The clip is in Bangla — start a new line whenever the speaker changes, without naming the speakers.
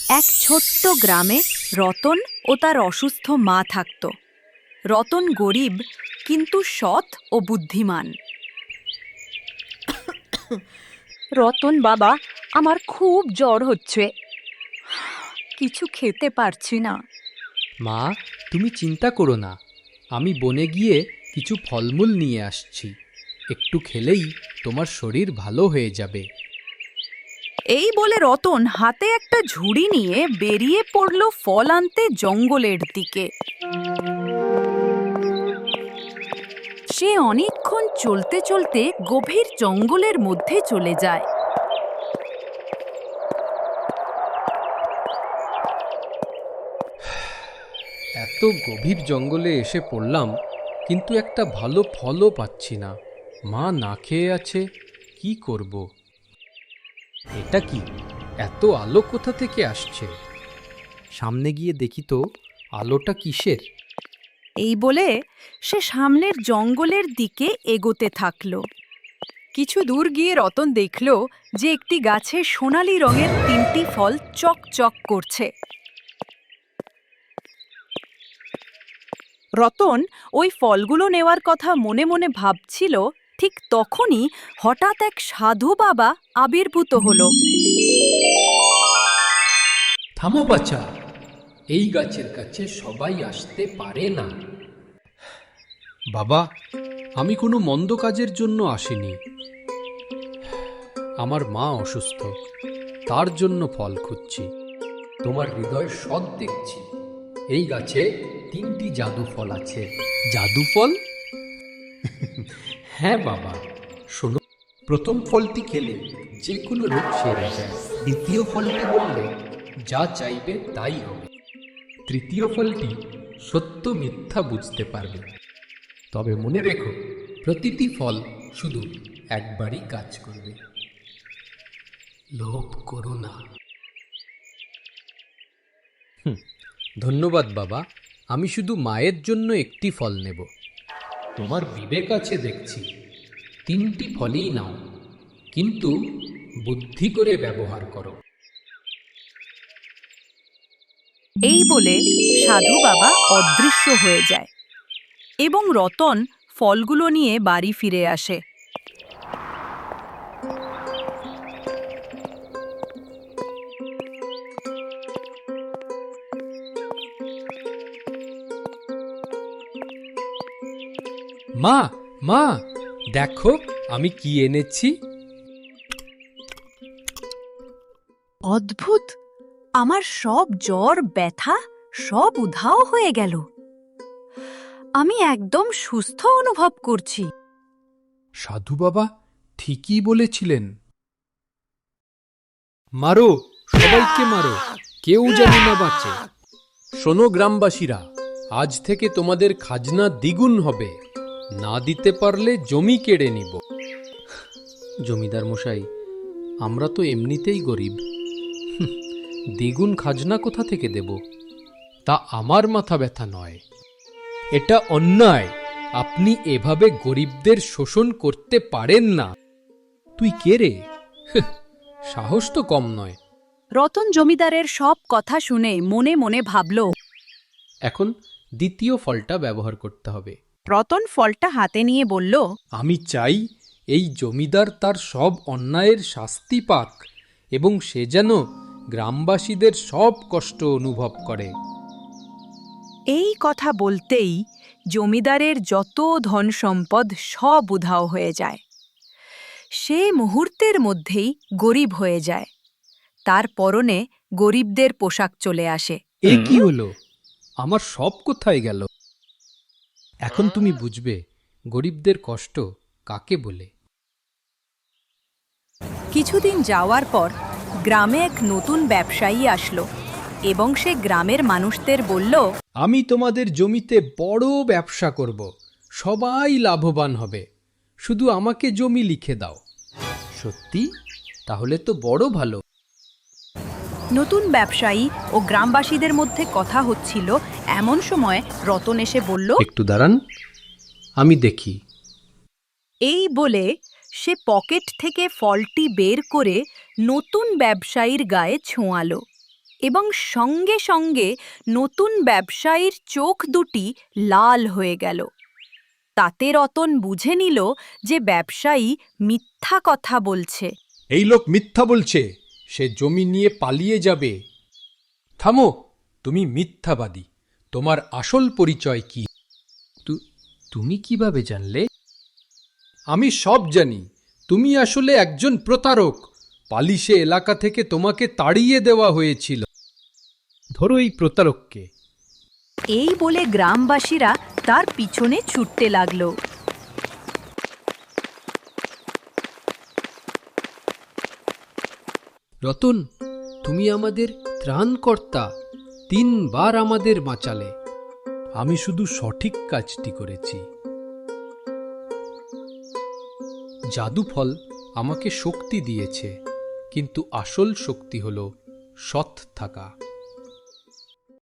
এক ছোট্ট গ্রামে রতন ও তার অসুস্থ মা থাকত। রতন গরিব কিন্তু সৎ ও বুদ্ধিমান। রতন বাবা, আমার খুব জ্বর হচ্ছে, কিছু খেতে পারছি না।
মা, তুমি চিন্তা করো না, আমি বনে গিয়ে কিছু ফলমূল নিয়ে আসছি, একটু খেলেই তোমার শরীর ভালো হয়ে যাবে।
এই বলে রতন হাতে একটা ঝুড়ি নিয়ে বেরিয়ে পড়ল ফল আনতে জঙ্গলের দিকে। সে অনেকক্ষণ চলতে চলতে গভীর জঙ্গলের মধ্যে চলে যায়।
এত গভীর জঙ্গলে এসে পড়লাম, কিন্তু একটা ভালো ফলও পাচ্ছি না। মা না খেয়ে আছে, কি করব? এটা কি, এত আলো কোথা থেকে আসছে? সামনে গিয়ে দেখি তো আলোটা কিসের।
এই বলে সে সামনের জঙ্গলের দিকে এগোতে থাকল। কিছু দূর গিয়ে রতন দেখল যে একটি গাছে সোনালী রঙের 3টি ফল চকচক করছে। রতন ওই ফলগুলো নেওয়ার কথা মনে মনে ভাবছিল, ঠিক তখনই হঠাৎ এক সাধু বাবা আবির্ভূত হলো।
থামো বাছা, এই গাছের কাছে সবাই আসতে পারে না। বাবা, আমি কোনো মন্দ কাজের জন্য আসিনি। আমার মা অসুস্থ, তার জন্য ফল খুঁজছি। তোমার হৃদয় সৎ দেখছি। এই গাছে 3টি জাদু ফল আছে। জাদু ফল? হ্যাঁ বাবা, শোনো, প্রথম ফলটি খেলে যে কোনো রোগ সেরে যায়। দ্বিতীয় ফলটি বললে যা চাইবে তাই হবে। তৃতীয় ফলটি সত্য মিথ্যা বুঝতে পারবে। তবে মনে রেখো, প্রতিটি ফল শুধু একবারই কাজ করবে। লোভ করো না। ধন্যবাদ বাবা, আমি শুধু মায়ের জন্য একটি ফল নেব। তোমার বিবেক আছে দেখছি, 3টি ফলই নাও, কিন্তু বুদ্ধি করে ব্যবহার করো।
এই বলে সাধু বাবা অদৃশ্য হয়ে যায় এবং রতন ফলগুলো নিয়ে বাড়ি ফিরে আসে।
মা, মা, দেখো আমি কি এনেছি।
অদ্ভুত, আমার সব জ্বর ব্যথা সব উধাও হয়ে গেল। আমি একদম সুস্থ অনুভব করছি।
সাধু বাবা ঠিকই বলেছিলেন। মারো, সবাইকে মারো, কেউ যেন না বাঁচে। শোনো গ্রামবাসীরা, আজ থেকে তোমাদের খাজনা দ্বিগুণ হবে। না দিতে পারলে জমি কেড়ে নিব। জমিদার মশাই, আমরা তো এমনিতেই গরিব, দ্বিগুণ খাজনা কোথা থেকে দেব? তা আমার মাথা ব্যথা নয়, এটা অন্যায়। আপনি এভাবে গরিবদের শোষণ করতে পারেন না। তুই কে রে? সাহস তো কম নয়।
রতন জমিদারের সব কথা শুনে মনে মনে ভাবল।
এখন দ্বিতীয় ফলটা ব্যবহার করতে হবে।
রতন ফলটা হাতে নিয়ে বলল,
আমি চাই এই জমিদার তার সব অন্যায়ের শাস্তি পাক এবং সে যেন গ্রামবাসীদের সব কষ্ট অনুভব করে।
এই কথা বলতেই জমিদারের যত ধন সম্পদ সব উধাও হয়ে যায়। সে মুহূর্তের মধ্যেই গরিব হয়ে যায়। তার পরনে গরিবদের পোশাক চলে আসে।
এ কি হলো? আমার সব কোথায় গেল? এখন তুমি বুঝবে গরিবদের কষ্ট কাকে বলে।
কিছুদিন যাওয়ার পর গ্রামে এক নতুন ব্যবসায়ী আসলো এবং সে গ্রামের মানুষদের বলল,
আমি তোমাদের জমিতে বড় ব্যবসা করব, সবাই লাভবান হবে, শুধু আমাকে জমি লিখে দাও। সত্যি? তাহলে তো বড় ভালো।
নতুন ব্যবসায়ী ও গ্রামবাসীদের মধ্যে কথা হচ্ছিল, এমন সময় রতন এসে বলল,
একটু দাঁড়ান, আমি দেখি।
এই বলে সে পকেট থেকে ফলটি বের করে নতুন ব্যবসায়ীর গায়ে ছোঁয়ালো। এবং সঙ্গে সঙ্গে নতুন ব্যবসায়ীর চোখ দুটি লাল হয়ে গেল। তাতে রতন বুঝে নিল যে ব্যবসায়ী মিথ্যা কথা বলছে।
এই লোক মিথ্যা বলছে, সে জমি নিয়ে পালিয়ে যাবে। থামো, তুমি মিথ্যাবাদী। তোমার আসল পরিচয় কি? তুমি কিভাবে জানলে? আমি সব জানি। তুমি আসলে একজন প্রতারক। পালিশে এলাকা থেকে তোমাকে তাড়িয়ে দেওয়া হয়েছিল। ধরো এই প্রতারককে।
এই বলে গ্রামবাসীরা তার পিছনে ছুটতে লাগলো।
রতন, তুমি আমাদের ত্রাণকর্তা। 3 বার আমাদের বাঁচালে। আমি শুধু সঠিক কাজটি করেছি। জাদু ফল আমাকে শক্তি দিয়েছে, কিন্তু আসল শক্তি হলো সৎ থাকা।